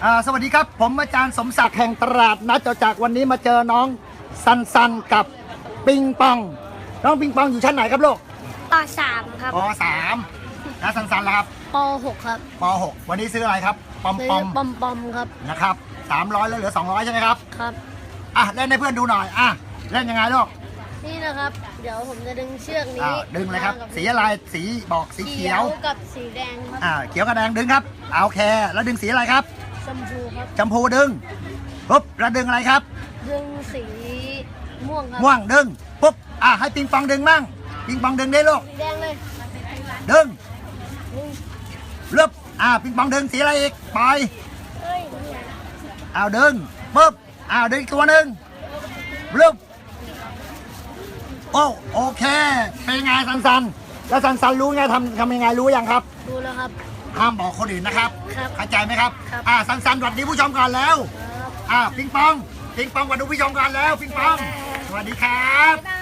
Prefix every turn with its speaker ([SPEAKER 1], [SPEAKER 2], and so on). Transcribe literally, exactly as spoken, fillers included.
[SPEAKER 1] อ่าสวัสดีครับผมอาจารย์สมศักดิ์แห่งตลาดนัดจตุจักรวันนี้มาเจอน้องซันซันกับปิงปองน้องปิงปองอยู่ชั้นไหนครับลูก
[SPEAKER 2] ปสามครับ
[SPEAKER 1] ปสามแล้วซันซันล่ะครับ
[SPEAKER 2] ปหกครับ
[SPEAKER 1] ปหกวันนี้ซื้ออะไรครับปอมปอม
[SPEAKER 2] ปอมปอมครับ
[SPEAKER 1] นะครับสามร้อยแล้วเหลือสองร้อยใช่ไหมครับ
[SPEAKER 2] ครับ
[SPEAKER 1] อ่ะเล่นให้เพื่อนดูหน่อยอ่ะเล่นยังไงลูก
[SPEAKER 2] นี่นะครับเดี๋ยวผมจะดึงเชือกนี้
[SPEAKER 1] ดึงเลยครับสีอะไรสีบอกสีเขียว
[SPEAKER 2] กับสีแดงครับ
[SPEAKER 1] อ่าเขียวกับแดงดึงครับเอาโอเคแล้วดึงสีอะไรครับ
[SPEAKER 2] ชมพูครับ
[SPEAKER 1] ชมพูดึงปุ๊บแล้วดึงอะไรครับ
[SPEAKER 2] ดึงสีม่วงครับ
[SPEAKER 1] ม่วงดึงปุ๊บอ่ะให้ปิงปองดึงมั่งปิงปองดึงได้ลูก
[SPEAKER 2] สีแดงเลย
[SPEAKER 1] ดึงเลือบอ่าปิงปองดึงสีอะไรอีกปล่อยเอาดึงปุ๊บอ้าวดึงอีกตัวหนึ่งเลือบโอ้โอเคเป็นไงซันซันแล้วซันซันรู้ไงทำทำยังไงรู้ยังครับ
[SPEAKER 2] รู้แล้วครับ
[SPEAKER 1] ห้ามบอกคนอื่นนะครับเข้าใจไหมครับ
[SPEAKER 2] ครับ
[SPEAKER 1] อ่าซันซันสวัสดีผู้ชมก่อนแล้วอ่าปิงปองปิงปองสวัสดีผู้ชมก่อนแล้วปิงปองสวัสดีครับ